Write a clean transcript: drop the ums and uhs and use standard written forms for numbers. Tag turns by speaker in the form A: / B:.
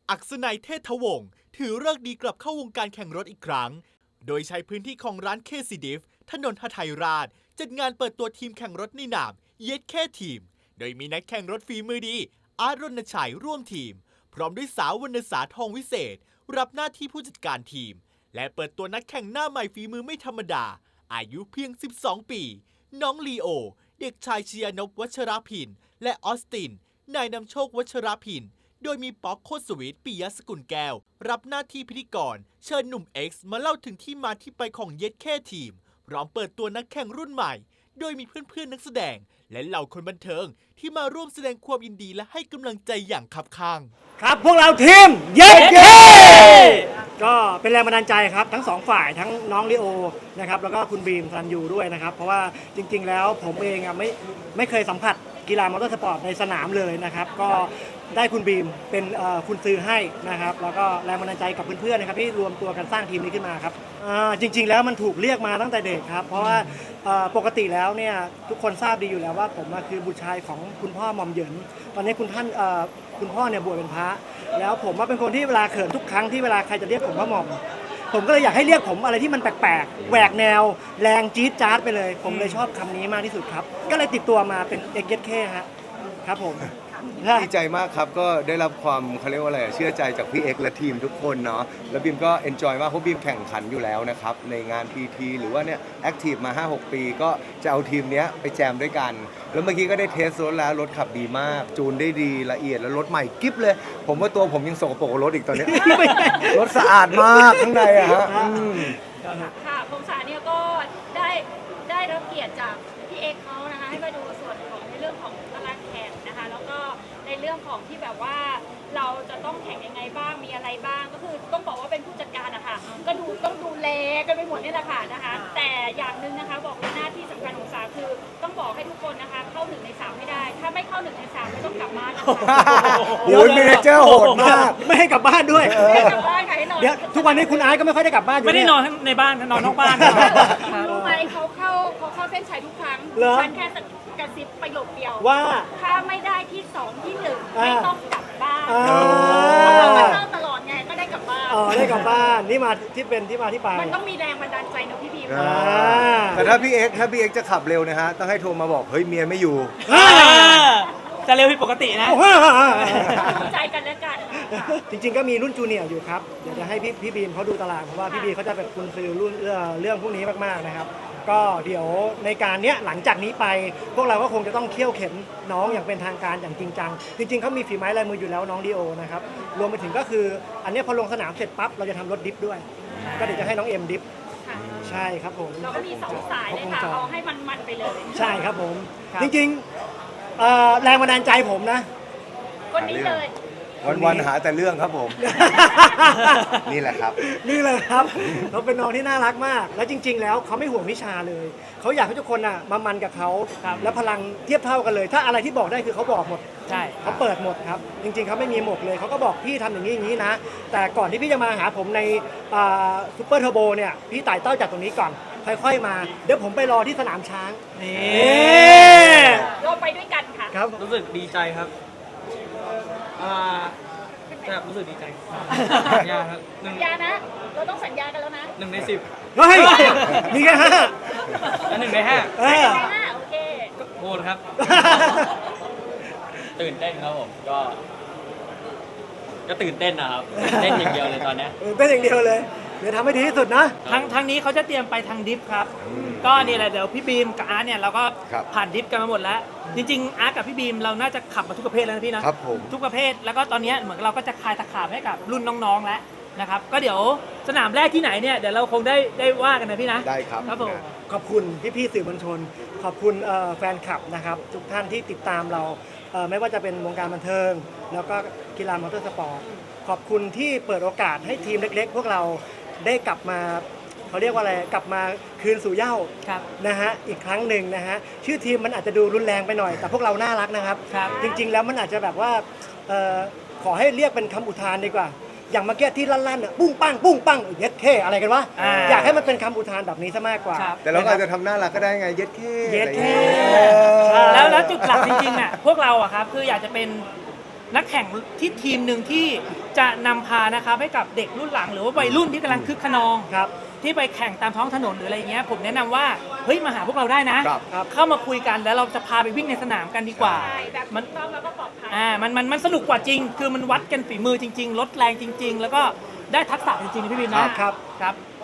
A: อักษนัยเทศวงศ์ถือฤกษ์ดีกลับเข้าวงการแข่งรถอีกครั้ง โดยใช้พื้นที่ของร้านเคซีดิฟถนนหทัยราชจัดงานเปิดตัวทีมแข่งรถในนามเย็ดแค่ทีม โดยมีนักแข่งรถฝีมือดี อาร์ตรณชัยร่วมทีม พร้อมด้วยสาววรรณสาทองวิเศษ รับหน้าที่ผู้จัดการทีม และเปิดตัวนักแข่งหน้าใหม่ฝีมือไม่ธรรมดา อายุเพียง 12 ปี น้องลีโอ เด็กชายชยานพวัชรพินและออสติน นายนำโชควัชรพินโดยมีป๊อกโคตรสวิทปิยสกุลแก้ว รับหน้าที่พิธีกร เชิญหนุ่ม X มาเล่าถึงที่มาที่ไปของเย็ดแค่ทีม พร้อมเปิดตัวนักแข่งรุ่นใหม่ โดยมีเพื่อนๆนักแสดง และเหล่าคนบันเทิงที่มาร่วมแสดงความยินดีและให้กำลังใจอย่างคับข้าง
B: ครับพวกเราทีมเย้ก็เป็นแรงบันดาลใจครับทั้งสองฝ่ายทั้งน้องลิโอนะครับแล้วก็คุณบีมซันยูด้วยนะครับเพราะว่าจริงๆแล้วผมเองไม่เคยสัมผัสกีฬามอเตอร์สปอร์ตในสนามเลยนะครับก็ได้คุณบีมเป็นคุณซื้อให้นะครับแล้วก็แรงบันดาลใจกับเพื่อนๆนะครับที่รวมตัวกันสร้างทีมนี้ขึ้นมาครับจริงๆแล้วมันถูกเรียกมาตั้งแต่เด็กครับเพราะว่าปกติแล้วเนี่ยทุกคนทราบดีอยู่แล้วว่าผมคือบุตรชายของคุณพ่อหม่อมเหยินตอนนี้คุณพ่อเนี่ยบวชเป็นพระแล้วผมว่าเป็นคนที่เวลาเขินทุกครั้งที่เวลาใครจะเรียกผมว่าหม่อมผมก็เลยอยากให้เรียกผมอะไรที่มันแปลกๆแหวกแนวแรงจี๊ดจ๊าดไปเลยผมเลยชอบคำนี้มากที่สุดครับก็เลยติดตัวมาเป็นเอ็กเย็ดแค่ครับผม
C: ดีใจมากครับก็ได้รับความเขาเรียกว่าอะไรเชื่อใจจากพี่เอ็กและทีมทุกคนเนาะแล้วบีมก็เอนจอยมากเพราะบีมแข่งขันอยู่แล้วนะครับในงาน PT หรือว่าเนี่ยแอคทีฟมา 5-6 ปีก็จะเอาทีมเนี้ยไปแจมด้วยกันแล้วเมื่อกี้ก็ได้เทสรถแล้วรถขับดีมากจูนได้ดีละเอียดแล้วรถใหม่กิ๊บเลยผมว่าตัวผมยังสกปรกกว่ารถอีกตอนนี้ รถสะอาดมากข้างในอะฮะ
D: ค่ะพงษาเนี่ยก็ได้รับเกียรติจากพี่เอกเขานะคะให้มาดูส่วนของในเรื่องของตารางแข่งนะคะแล้วก็ในเรื่องของที่แบบว่าเราจะต้องแข่งยังไงบ้างมีอะไรบ้างก็คือต้องบอกว่าเป็นผู้จัดการนะคะก็ต้องดูแลกันไปหมดนี่แหละค่ะนะคะแต่อย่างหนึ่งนะคะบอกเลยหน้าที่สำคัญของสาคือต้องบอกให้ทุกคนนะคะเข้า1 ใน 3ให้ได้ถ้าไม่เข้า1 ใน 3ไม่ต้องกลับบ้านนะคะ
C: โอ้ยเมเนเจอร์โหดมาก
B: ไม่ให้กลับบ้านด้วย
D: ไม่กลับบ้านค่ะให้นอน
B: เดี๋ยวทุกวันนี้คุณอาร์ตก็ไม่ค่อยได้กลับบ้านอยู่
E: ไม่ได้นอนในบ้านนอนนอกบ้าน
D: รู้ไหมเขาเข้าเส้นชัยทุกครั้งฉันแค่กระซิบประโยคเดียว
B: ว่า
D: ถ้าไม่ได้ที่2ที่1ไม่ต้องกลับบ้านเราตลอดไงก็ได้กลับบ้าน
B: ได้กลับบ้านนี่มาที่เป็นที่มาที่ไป
D: มันต้องมีแรงบันดาลใจนะพี่บีม
C: แต่ถ้าพี่เอ็กจะขับเร็วนะฮะต้องให้โทรมาบอกเฮ้ยเมียไม่อยู่
E: จะเร็วผิดปกตินะ
D: รู้ใจกันแล้วกัน
B: จริงๆก็มีรุ่นจูเนียร์อยู่ครับเดี๋ยวจะให้พี่บีมเขาดูตารางเพราะว่าพี่บีมเขาจะเป็นคุณซื้อรุ่นเรื่องพวกนี้มากๆนะครับก็เดี๋ยวในการเนี้ยหลังจากนี้ไปพวกเราก็คงจะต้องเคี่ยวเข็นน้องอย่างเป็นทางการอย่างจริงจังจริงๆเขามีฝีไม้ลายมืออยู่แล้วน้องดีโอนะครับรวมไปถึงก็คืออันนี้พอลงสนามเสร็จปั๊บเราจะทำรถดิฟด้วยก็เดี๋ยวจะให้น้องเอ็มดิฟใช่ครับผม
D: เราก็มี2 สายเลยค่ะเอาให้มันไปเลย
B: ใช่ครับผมจริงๆแรงบันดาลใจผมนะ
D: คนนี้เลย
C: วันหาแต่เรื่องครับผมนี่แหละครับ
B: เขาเป็นน้องที่น่ารักมากแล้วจริงๆแล้วเขาไม่ห่วงวิชาเลยเขาอยากให้ทุกคนมามันกับเขาแล้วพลังเทียบเท่ากันเลยถ้าอะไรที่บอกได้คือเขาบอกหมด
E: ใช่
B: เขาเปิดหมดครับจริงๆเขาไม่มีหมดเลยเขาก็บอกพี่ทำอย่างนี้นะแต่ก่อนที่พี่จะมาหาผมในซุปเปอร์เทอร์โบเนี่ยพี่ไต่เต้าจากตรงนี้ก่อนค่อยๆมาเดี๋ยวผมไปรอที่สนามช้าง
E: นี่
D: เราไปด้วยกันค่ะ
B: ครับ
E: รู้สึกดีใจครับแบบรู้สึกดีใจสัญญาครับ
D: สัญญานะเราต้องสัญญากันแล้วนะ
E: 1 ใน 10
B: เฮ้ยมีแค่
E: 1 ใน 5
D: โอเค
E: โหดครับตื่นเต้นครับผมก็ตื่นเต้นนะครับเต้นอย่างเดียวเลยตอนนี้
B: เต้นอย่างเดียวเลยเดี๋ยวทำให้ดีที่สุดนะ
E: ทางนี้เขาจะเตรียมไปทางดิฟครับก็นี่แหละเดี๋ยวพี่บีมกับอาร์ตเนี่ยเราก็ผ่านดิฟกันมาหมดแล้วจริงๆอาร์ตกับพี่บีมเราน่าจะขับมาทุกประเภทแล้วนะพี่นะครับ
C: ผม
E: ทุกประเภทแล้วก็ตอนนี้เหมือนเราก็จะคลายตะขาบให้กับรุ่นน้องๆแล้วนะครับก็เดี๋ยวสนามแรกที่ไหนเนี่ยเดี๋ยวเราคงได้ว่ากันนะพี่นะ
C: ได้ครับ
E: ครับผม
B: ขอบคุณพี่ๆสื่อมวลชนขอบคุณแฟนคลับนะครับทุกท่านที่ติดตามเราไม่ว่าจะเป็นวงการบันเทิงแล้วก็กีฬามอเตอร์สปอร์ตขอบคุณที่เปิดโอกาสให้ทีมเล็กๆพวกเราได้กลับมาเขาเรียกว่าอะไรกลับมาคืนสู่เหย้านะฮะอีกครั้งหนึ่งนะฮะชื่อทีมมันอาจจะดูรุนแรงไปหน่อยแต่พวกเราน่ารักนะครับจริงๆแล้วมันอาจจะแบบว่าขอให้เรียกเป็นคำอุทานดีกว่าอย่างเมื่อกี้ที่ลั่นๆปุ้งปังปุ้งปังเย็ดเข้อะไรกันวะอยากให้มันเป็นคำอุทานแบบนี้ซะมากกว่า
C: แต่เราอาจจะทำน่ารักก็ได้ไงเย็ดเข้
E: แล้วจุดหลักจริงๆอ่ะพวกเราอะครับคืออยากจะเป็นนักแข่งที่ทีมหนึ่งที่จะนำพานะครับให้กับเด็กรุ่นหลังหรือว่าวัยรุ่นที่กำลังคึกขนอง
B: ครับ
E: ที่ไปแข่งตามท้องถนนหรืออะไรเงี้ยผมแนะนำว่าเฮ้ยมาหาพวกเราได้นะ
C: ครับ
E: เข้ามาคุยกันแล้วเราจะพาไปวิ่งในสนามกันดีกว่า
D: ใช่แบบ
E: มัน
D: ถูกต้องแล้วก็ปลอดภัย
E: มันสนุกกว่าจริง คือมันวัดกันฝีมือจริง ๆ ลดแรงจริง ๆ แล้วก็ได้ทักษะจริงๆนะพี่บินนะครับ ครับ